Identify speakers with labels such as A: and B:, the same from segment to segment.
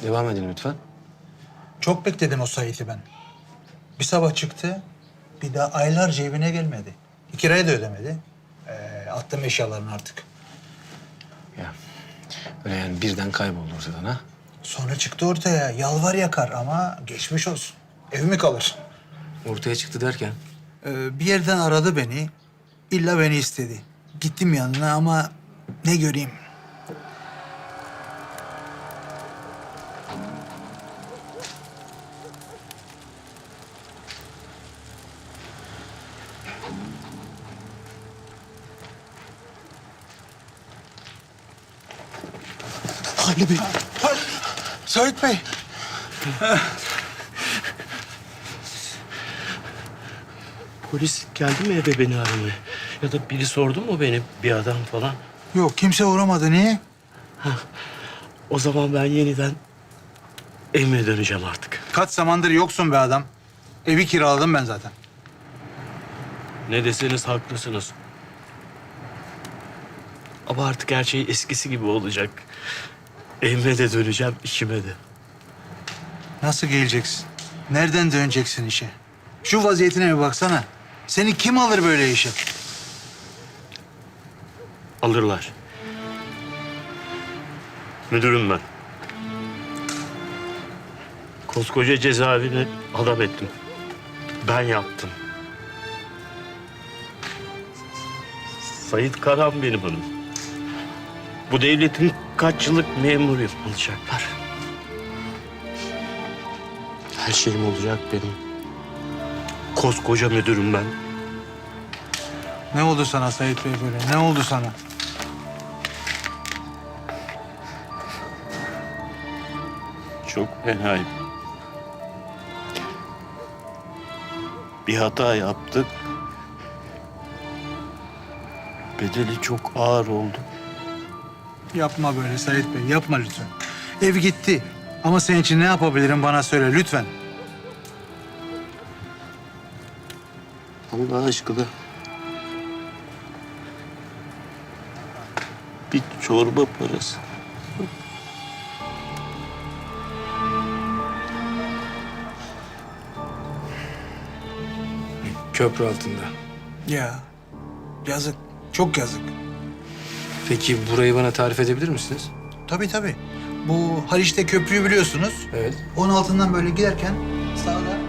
A: Devam edin lütfen.
B: Çok bekledim o Sait'i ben. Bir sabah çıktı, bir daha aylarca evine gelmedi. Kirayı da ödemedi. Attım eşyalarını artık.
A: Ya öyle yani birden kayboldu ortadan ha.
B: Sonra çıktı ortaya, yalvar yakar ama geçmiş olsun. Ev mi kalır?
A: Ortaya çıktı derken.
B: Bir yerden aradı beni, illa beni istedi. Gittim yanına ama ne göreyim?
C: Ali Bey.
B: Sait Bey.
C: Polis geldi mi eve beni aramaya? Ya da biri sordu mu beni, bir adam falan?
B: Yok, kimse uğramadı. Niye?
C: O zaman ben yeniden evime döneceğim artık.
B: Kaç zamandır yoksun be adam. Evi kiraladım ben zaten.
C: Ne deseniz haklısınız. Ama artık her şey eskisi gibi olacak. Evime de döneceğim, işime de.
B: Nasıl geleceksin? Nereden döneceksin işe? Şu vaziyetine bir baksana. Seni kim alır böyle işe?
C: Alırlar. Müdürüm ben. Koskoca cezaevini adam ettim. Ben yaptım. Sait Karan benim adım. Bu devletin kaç yıllık memuruyum. Alacaklar. Her şeyim olacak benim. Koskoca müdürüm ben.
B: Ne oldu sana Sait Bey böyle? Ne oldu sana?
C: Çok fenayım. Bir hata yaptık. Bedeli çok ağır oldu.
B: Yapma böyle Sait Bey, yapma lütfen. Ev gitti. Ama senin için ne yapabilirim bana söyle lütfen.
C: Allah aşkına. Bir çorba parası.
A: Köprü altında.
B: Ya yazık, çok yazık.
A: Peki burayı bana tarif edebilir misiniz?
B: Tabii tabii. Bu Haliç'te köprüyü biliyorsunuz.
A: Evet.
B: Onun altından böyle giderken sağda.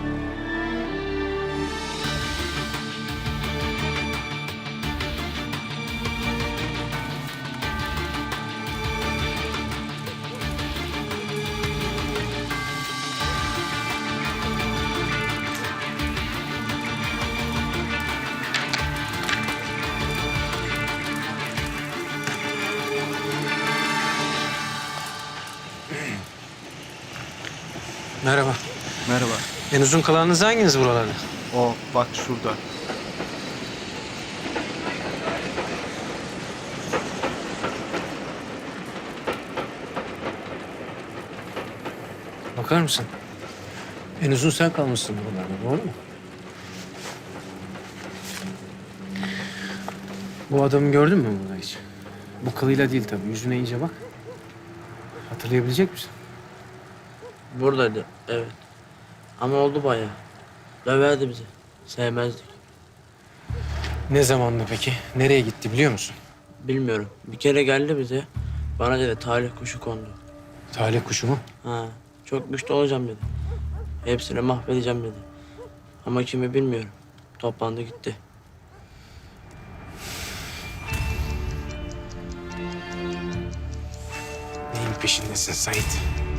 A: Merhaba.
D: Merhaba.
A: En uzun kalanınız hanginiz buralarda?
D: O bak şurada.
A: Bakar mısın? En uzun sen kalmışsın buralarda, doğru mu? Bu adamı gördün mü burada hiç? Bu kılıyla değil tabii. Yüzüne iyice bak. Hatırlayabilecek misin?
E: Buradaydı, evet. Ama oldu bayağı. Döverdi bizi. Sevmezdik.
A: Ne zamandı peki? Nereye gitti biliyor musun?
E: Bilmiyorum. Bir kere geldi bize. Bana dedi talih kuşu kondu.
A: Talih kuşu mu?
E: Ha, çok güçlü olacağım dedi. Hepsini mahvedeceğim dedi. Ama kimi bilmiyorum. Toplandı gitti.
A: Neyin peşindesin Sait?